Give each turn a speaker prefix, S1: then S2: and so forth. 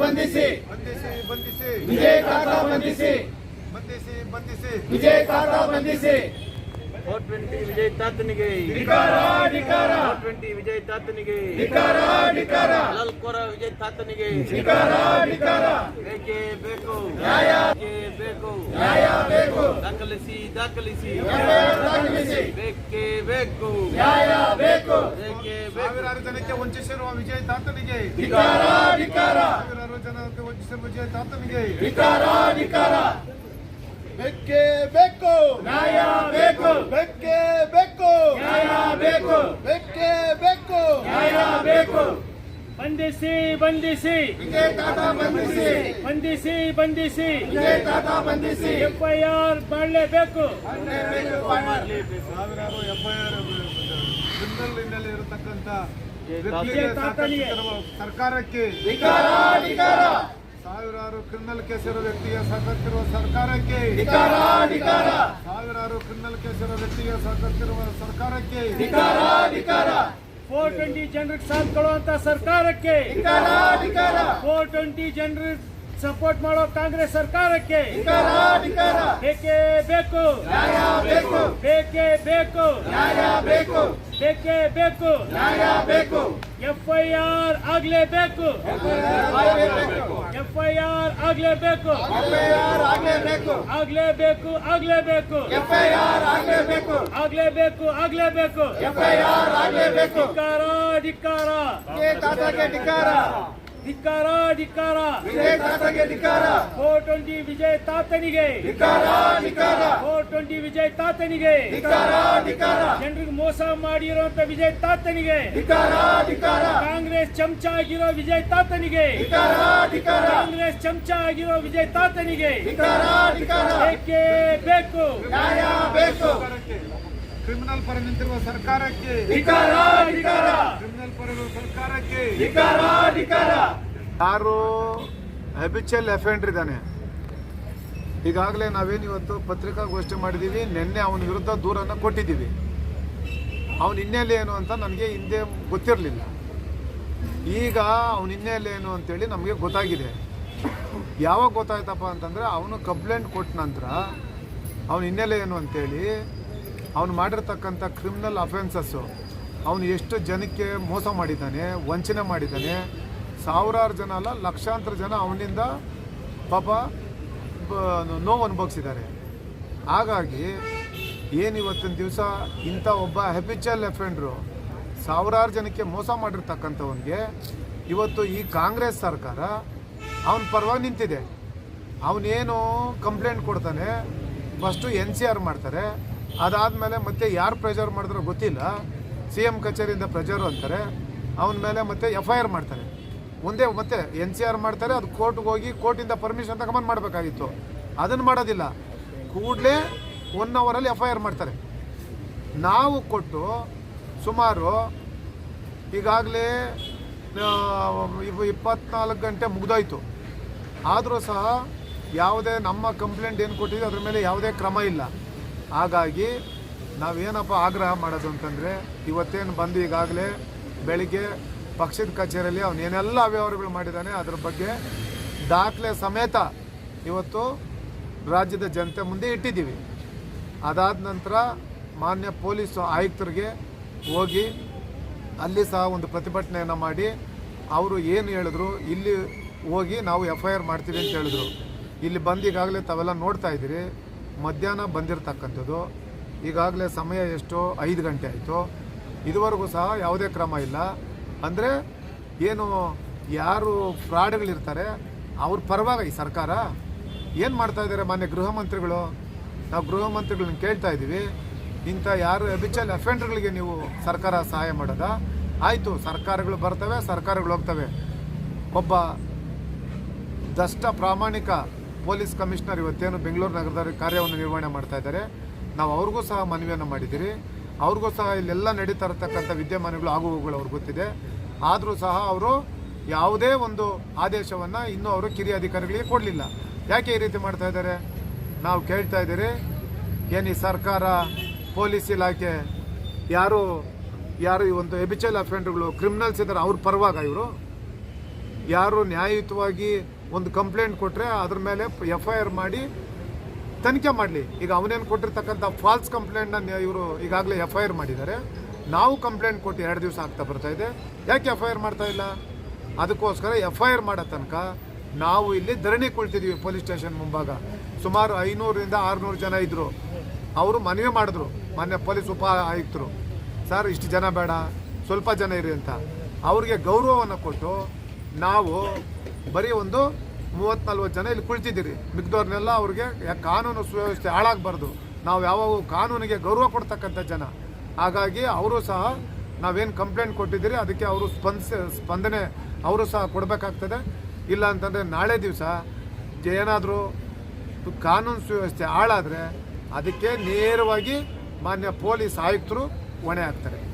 S1: ಬಂಧಿಸಿ
S2: ಬಂಧಿಸಿ ಬಂಧಿಸಿ
S1: ವಿಜಯ್ ಕಾಕಾ ಬಂಧಿಸಿ
S2: ಬಂಧಿಸಿ ಬಂಧಿಸಿ
S1: ವಿಜಯ್ ಕಾಕಾ ಬಂಧಿಸಿ
S3: 420 ವಿಜಯ್ ತಾತನಿಗೆ
S1: ಧಿಕ್ಕಾರ ಧಿಕ್ಕಾರ
S3: 420 ವಿಜಯ್ ತಾತನಿಗೆ
S1: ಧಿಕ್ಕಾರ ಧಿಕ್ಕಾರ
S3: ಲಲ್ಕೋರ ವಿಜಯ್ ತಾತನಿಗೆ
S1: ಧಿಕ್ಕಾರ ಧಿಕ್ಕಾರ
S3: ಬೇಕೇ ಬೇಕು
S1: ನ್ಯಾಯ
S3: ಬೇಕು
S1: ನ್ಯಾಯ ಬೇಕು
S3: ದಾಖಲಿಸಿ ದಾಖಲಿಸಿ
S1: ದಾಖಲಿಸಿ
S3: ಬೇಕೇ ಬೇಕು
S1: ನ್ಯಾಯ ಬೇಕು
S3: ಬೇಕೇ ಬೇಕು
S2: ಸಾವಿರಾರು ಜನಕ್ಕೆ ವಂಚಿಸಿರುವ ವಿಜಯ್ ತಾತನಿಗೆ
S1: ಧಿಕ್ಕಾರ ಧಿಕ್ಕಾರ
S2: ಸಾವಿರಾರು ಜನಕ್ಕೆ ವಂಚಿಸಿರುವ ವಿಜಯ್ ತಾತನಿಗೆ
S1: ಧಿಕ್ಕಾರ ಧಿಕ್ಕಾರ
S2: ಬೇಕೇ ಬೇಕು
S1: ನ್ಯಾಯ ಬೇಕು
S2: ಬೇಕೇ ಬೇಕು
S1: ನ್ಯಾಯ ಬೇಕು
S2: ಬೇಕೇ ಬೇಕು
S1: ನ್ಯಾಯ ಬೇಕು
S4: ಬಂಧಿಸಿ ಬಂಧಿಸಿ
S1: ವಿಜಯ್ ಕಾಕಾ ಬಂಧಿಸಿ
S4: ಬಂಧಿಸಿ ಬಂಧಿಸಿ
S1: ವಿಜಯ್ ಕಾಕಾ ಬಂಧಿಸಿ
S4: FIR ಮಾಡಲೇಬೇಕು.
S2: ಸಾವಿರಾರು FIR ಕ್ರಿಮಿನಲ್ ಹಿನ್ನೆಲೆ ಇರತಕ್ಕಂತ
S4: ವಿಜಯ್ ತಾತನಿಗೆ
S2: ಸರ್ಕಾರಕ್ಕೆ
S1: ಧಿಕ್ಕಾರ ಧಿಕ್ಕಾರ
S2: ಸಾವಿರಾರು ಕ್ರಿಮಿನಲ್ ಕೇಸ್ ಇರೋ ವ್ಯಕ್ತಿಗೆ ಸಹಕರಿಸಿರುವ ಸರ್ಕಾರಕ್ಕೆ
S1: ಧಿಕ್ಕಾರ ಧಿಕ್ಕಾರ
S2: ಸಾವಿರಾರು ಕ್ರಿಮಿನಲ್ ಕೇಸ್ ಇರೋ ವ್ಯಕ್ತಿಗೆ ಸಹಕರಿಸಿರುವ ಸರ್ಕಾರಕ್ಕೆ
S1: ಧಿಕ್ಕಾರ ಧಿಕ್ಕಾರ
S4: 420 ಜನರಿಗೆ ಸಾಥ್ ಕೊಡುವಂತ ಸರ್ಕಾರಕ್ಕೆ,
S1: ಧಿಕ್ಕಾರ ಧಿಕ್ಕಾರ
S4: 420 ಜನರಿಗೆ ಸಪೋರ್ಟ್ ಮಾಡೋ ಕಾಂಗ್ರೆಸ್ ಸರ್ಕಾರಕ್ಕೆ
S1: ಧಿಕ್ಕಾರ ಧಿಕ್ಕಾರ
S4: ಬೇಕೇ ಬೇಕು
S1: ನ್ಯಾಯ ಬೇಕು
S4: ಬೇಕೇ ಬೇಕು
S1: ನ್ಯಾಯ ಬೇಕು
S4: ಬೇಕೇ ಬೇಕು
S1: ನ್ಯಾಯ ಬೇಕು
S4: FIR ಆಗಲೇಬೇಕು FIR ಆಗಲೇಬೇಕು
S1: FIR ಆಗಲೇಬೇಕು
S4: ಆಗಲೇಬೇಕು ಆಗಲೇಬೇಕು
S1: FIR ಆಗಲೇಬೇಕು
S4: ಆಗಲೇಬೇಕು ಆಗಲೇಬೇಕು
S1: FIR ಆಗಲೇಬೇಕು
S4: ಧಿಕ್ಕಾರ ಧಿಕ್ಕಾರ
S1: ವಿಜಯ್ ತಾತಾಗೆ ಧಿಕ್ಕಾರ
S4: ಧಿಕ್ಕಾರ ಧಿಕ್ಕಾರ
S1: ವಿಜಯ್ ತಾತಾಗೆ ಧಿಕ್ಕಾರ
S4: 420 ವಿಜಯ್ ತಾತನಿಗೆ
S1: ಧಿಕ್ಕಾರ ಧಿಕ್ಕಾರ
S4: 420 ವಿಜಯ್ ತಾತನಿಗೆ
S1: ಧಿಕ್ಕಾರ ಧಿಕ್ಕಾರ
S4: ಜನರಿಗೆ ಮೋಸ ಮಾಡಿರುವಂತ ವಿಜಯ್ ತಾತನಿಗೆ
S1: ಧಿಕ್ಕಾರ ಧಿಕ್ಕಾರ
S4: ಕಾಂಗ್ರೆಸ್ ಚಮಚ ಆಗಿರೋ ವಿಜಯ್ ತಾತನಿಗೆ
S1: ಧಿಕ್ಕಾರ ಧಿಕ್ಕಾರ
S4: ಕಾಂಗ್ರೆಸ್ ಚಮಚ ಆಗಿರೋ ವಿಜಯ್ ತಾತನಿಗೆ
S1: ಧಿಕ್ಕಾರ ಧಿಕ್ಕಾರ
S4: ಬೇಕೇ ಬೇಕು
S1: ನ್ಯಾಯ ಬೇಕು
S2: ಕ್ರಿಮಿನಲ್ ಪರ ನಿಂತಿರುವ ಸರ್ಕಾರಕ್ಕೆ
S1: ಧಿಕ್ಕಾರ ಧಿಕ್ಕಾರ
S2: ಕ್ರಿಮಿನಲ್ ಪರ ಇರುವ ಸರ್ಕಾರಕ್ಕೆ
S1: ಧಿಕ್ಕಾರ ಧಿಕ್ಕಾರ
S2: ಯಾರು ಹ್ಯಾಬಿಚುವಲ್ ಅಫೆಂಡರ್ ಇದ್ದಾನೆ, ಈಗಾಗಲೇ ನಾವೇನು ಇವತ್ತು ಪತ್ರಿಕಾಗೋಷ್ಠಿ ಮಾಡಿದ್ದೀವಿ, ನಿನ್ನೆ ಅವನ ವಿರುದ್ಧ ದೂರನ್ನು ಕೊಟ್ಟಿದ್ದೀವಿ. ಅವನ ಹಿನ್ನೆಲೆ ಏನು ಅಂತ ನನಗೆ ಹಿಂದೆ ಗೊತ್ತಿರಲಿಲ್ಲ. ಈಗ ಅವನ ಹಿನ್ನೆಲೆ ಏನು ಅಂತೇಳಿ ನಮಗೆ ಗೊತ್ತಾಗಿದೆ. ಯಾವಾಗ ಗೊತ್ತಾಯ್ತಪ್ಪ ಅಂತಂದರೆ ಅವನು ಕಂಪ್ಲೇಂಟ್ ಕೊಟ್ಟ ನಂತರ ಅವನ ಹಿನ್ನೆಲೆ ಏನು ಅಂತೇಳಿ ಅವನು ಮಾಡಿರ್ತಕ್ಕಂಥ ಕ್ರಿಮಿನಲ್ ಅಫೆನ್ಸಸ್ಸು, ಅವನು ಎಷ್ಟು ಜನಕ್ಕೆ ಮೋಸ ಮಾಡಿದ್ದಾನೆ, ವಂಚನೆ ಮಾಡಿದ್ದಾನೆ, ಸಾವಿರಾರು ಜನ ಅಲ್ಲ ಲಕ್ಷಾಂತರ ಜನ ಅವನಿಂದ ಪಾಪ ನೋವು ಅನುಭವಿಸಿದ್ದಾರೆ. ಹಾಗಾಗಿ ಏನು ಇವತ್ತಿನ ದಿವಸ ಇಂಥ ಒಬ್ಬ ಹ್ಯಾಬಿಚುವಲ್ ಅಫೆಂಡ್ರು ಸಾವಿರಾರು ಜನಕ್ಕೆ ಮೋಸ ಮಾಡಿರ್ತಕ್ಕಂಥವನಿಗೆ ಇವತ್ತು ಈ ಕಾಂಗ್ರೆಸ್ ಸರ್ಕಾರ ಅವನ ಪರವಾಗಿ ನಿಂತಿದೆ. ಅವನೇನು ಕಂಪ್ಲೇಂಟ್ ಕೊಡ್ತಾನೆ, ಫಸ್ಟು NCR ಮಾಡ್ತಾರೆ, ಅದಾದಮೇಲೆ ಮತ್ತೆ ಯಾರು ಪ್ರೆಷರ್ ಮಾಡಿದ್ರೋ ಗೊತ್ತಿಲ್ಲ, CM ಕಚೇರಿಯಿಂದ ಪ್ರೆಷರು ಅಂತಾರೆ, ಅವನ ಮೇಲೆ ಮತ್ತೆ FIR ಮಾಡ್ತಾರೆ. ಒಂದೇ ಮತ್ತೆ NCR ಮಾಡ್ತಾರೆ, ಅದು ಕೋರ್ಟ್ಗೆ ಹೋಗಿ ಕೋರ್ಟಿಂದ ಪರ್ಮಿಷನ್ ತಗೊಂಬಂದು ಮಾಡಬೇಕಾಗಿತ್ತು, ಅದನ್ನು ಮಾಡೋದಿಲ್ಲ. ಕೂಡಲೇ 1 ಅವರಲ್ಲಿ FIR ಮಾಡ್ತಾರೆ. ನಾವು ಕೊಟ್ಟು ಸುಮಾರು ಈಗಾಗಲೇ 24 ಗಂಟೆ ಮುಗಿದೋಯ್ತು. ಆದರೂ ಸಹ ಯಾವುದೇ ನಮ್ಮ ಕಂಪ್ಲೇಂಟ್ ಏನು ಕೊಟ್ಟಿದ್ದೀವಿ ಅದ್ರ ಮೇಲೆ ಯಾವುದೇ ಕ್ರಮ ಇಲ್ಲ. ಹಾಗಾಗಿ ನಾವೇನಪ್ಪ ಆಗ್ರಹ ಮಾಡೋದು ಅಂತಂದರೆ, ಇವತ್ತೇನು ಬಂದು ಈಗಾಗಲೇ ಬೆಳಿಗ್ಗೆ ಪಕ್ಷದ ಕಚೇರಿಯಲ್ಲಿ ಅವನೇನೆಲ್ಲ ಅವ್ಯವಹಾರಗಳು ಮಾಡಿದ್ದಾನೆ ಅದ್ರ ಬಗ್ಗೆ ದಾಖಲೆ ಸಮೇತ ಇವತ್ತು ರಾಜ್ಯದ ಜನತೆ ಮುಂದೆ ಇಟ್ಟಿದ್ದೀವಿ. ಅದಾದ ನಂತರ ಮಾನ್ಯ ಪೊಲೀಸ್ ಆಯುಕ್ತರಿಗೆ ಹೋಗಿ ಅಲ್ಲಿ ಸಹ ಒಂದು ಪ್ರತಿಭಟನೆಯನ್ನು ಮಾಡಿ ಅವರು ಏನು ಹೇಳಿದ್ರು, ಇಲ್ಲಿ ಹೋಗಿ ನಾವು FIR ಮಾಡ್ತೀವಿ ಅಂತ ಹೇಳಿದ್ರು. ಇಲ್ಲಿ ಬಂದು ಈಗಾಗಲೇ ತಾವೆಲ್ಲ ನೋಡ್ತಾ ಇದ್ದೀರಿ, ಮಧ್ಯಾಹ್ನ ಬಂದಿರತಕ್ಕಂಥದ್ದು. ಈಗಾಗಲೇ ಸಮಯ ಎಷ್ಟು 5 ಗಂಟೆ ಆಯಿತು, ಇದುವರೆಗೂ ಸಹ ಯಾವುದೇ ಕ್ರಮ ಇಲ್ಲ. ಅಂದರೆ ಏನು ಯಾರು ಫ್ರಾಡ್ಗಳಿರ್ತಾರೆ ಅವ್ರ ಪರವಾಗಿ ಈ ಸರ್ಕಾರ ಏನು ಮಾಡ್ತಾ ಇದ್ದಾರೆ? ಮಾನ್ಯ ಗೃಹ ಮಂತ್ರಿಗಳು, ನಾವು ಗೃಹ ಮಂತ್ರಿಗಳನ್ನ ಕೇಳ್ತಾ ಇದ್ದೀವಿ, ಇಂಥ ಯಾರು ಹ್ಯಾಬಿಚುವಲ್ ಅಫೆಂಡರ್ಗಳಿಗೆ ನೀವು ಸರ್ಕಾರ ಸಹಾಯ ಮಾಡೋದಾ? ಆಯಿತು, ಸರ್ಕಾರಗಳು ಬರ್ತವೆ, ಸರ್ಕಾರಗಳು ಹೋಗ್ತವೆ. ಒಬ್ಬ ದಷ್ಟ ಪ್ರಾಮಾಣಿಕ ಪೊಲೀಸ್ ಕಮಿಷನರ್ ಇವತ್ತೇನು ಬೆಂಗಳೂರು ನಗರದಲ್ಲಿ ಕಾರ್ಯವನ್ನು ನಿರ್ವಹಣೆ ಮಾಡ್ತಾ ಇದ್ದಾರೆ, ನಾವು ಅವ್ರಿಗೂ ಸಹ ಮನವಿಯನ್ನು ಮಾಡಿದ್ದೀರಿ. ಅವ್ರಿಗೂ ಸಹ ಇಲ್ಲೆಲ್ಲ ನಡೀತಾ ಇರತಕ್ಕಂಥ ವಿದ್ಯಮಾನಗಳು ಆಗುವುಗಳು ಅವ್ರಿಗೆ ಗೊತ್ತಿದೆ. ಆದರೂ ಸಹ ಅವರು ಯಾವುದೇ ಒಂದು ಆದೇಶವನ್ನು ಇನ್ನೂ ಅವರು ಕಿರಿಯ ಅಧಿಕಾರಿಗಳಿಗೆ ಕೊಡಲಿಲ್ಲ. ಯಾಕೆ ಈ ರೀತಿ ಮಾಡ್ತಾ ಇದ್ದಾರೆ? ನಾವು ಕೇಳ್ತಾ ಇದ್ದೀರಿ, ಏನು ಈ ಸರ್ಕಾರ, ಪೊಲೀಸ್ ಇಲಾಖೆ ಯಾರು ಈ ಒಂದು ಹ್ಯಾಬಿಚುವಲ್ ಅಫೆಂಡರ್ಗಳು ಕ್ರಿಮಿನಲ್ಸ್ ಇದ್ದಾರೆ ಅವ್ರ ಪರವಾಗ ಇವರು ಯಾರು ನ್ಯಾಯಯುತವಾಗಿ ಒಂದು ಕಂಪ್ಲೇಂಟ್ ಕೊಟ್ಟರೆ ಅದ್ರ ಮೇಲೆ FIR ಮಾಡಿ ತನಿಖೆ ಮಾಡಲಿ. ಈಗ ಅವನೇನು ಕೊಟ್ಟಿರ್ತಕ್ಕಂಥ ಫಾಲ್ಸ್ ಕಂಪ್ಲೇಂಟ್ನ ಇವರು ಈಗಾಗಲೇ FIR ಮಾಡಿದ್ದಾರೆ. ನಾವು ಕಂಪ್ಲೇಂಟ್ ಕೊಟ್ಟು 2 ದಿವಸ ಆಗ್ತಾ ಬರ್ತಾ ಇದೆ. ಯಾಕೆ FIR ಮಾಡ್ತಾ ಇಲ್ಲ? ಅದಕ್ಕೋಸ್ಕರ FIR ಮಾಡೋ ತನಕ ನಾವು ಇಲ್ಲಿ ಧರಣಿ ಕುಳಿತಿದ್ದೀವಿ ಪೊಲೀಸ್ ಸ್ಟೇಷನ್ ಮುಂಭಾಗ. ಸುಮಾರು 500ರಿಂದ 600 ಜನ ಇದ್ದರು. ಅವರು ಮನವಿ ಮಾಡಿದ್ರು ಮಾನ್ಯ ಪೊಲೀಸ್ ಉಪ ಆಯುಕ್ತರು, ಸರ್ ಇಷ್ಟು ಜನ ಬೇಡ, ಸ್ವಲ್ಪ ಜನ ಇರಿ ಅಂತ. ಅವ್ರಿಗೆ ಗೌರವವನ್ನು ಕೊಟ್ಟು ನಾವು ಬರೀ ಒಂದು 30-40 ಜನ ಇಲ್ಲಿ ಕುಳಿತಿದ್ದೀರಿ. ಮಿಕ್ದವ್ರನ್ನೆಲ್ಲ ಅವ್ರಿಗೆ ಕಾನೂನು ಸುವ್ಯವಸ್ಥೆ ಹಾಳಾಗಬಾರ್ದು. ನಾವು ಯಾವಾಗ ಕಾನೂನಿಗೆ ಗೌರವ ಕೊಡ್ತಕ್ಕಂಥ ಜನ. ಹಾಗಾಗಿ ಅವರು ಸಹ ನಾವೇನು ಕಂಪ್ಲೇಂಟ್ ಕೊಟ್ಟಿದ್ದೀರಿ ಅದಕ್ಕೆ ಅವರು ಸ್ಪಂದನೆ ಅವರು ಸಹ ಕೊಡಬೇಕಾಗ್ತದೆ. ಇಲ್ಲ ಅಂತಂದರೆ ನಾಳೆ ದಿವಸ ಏನಾದರೂ ಕಾನೂನು ಸುವ್ಯವಸ್ಥೆ ಹಾಳಾದರೆ ಅದಕ್ಕೆ ನೇರವಾಗಿ ಮಾನ್ಯ ಪೊಲೀಸ್ ಆಯುಕ್ತರು ಹೊಣೆ ಆಗ್ತಾರೆ.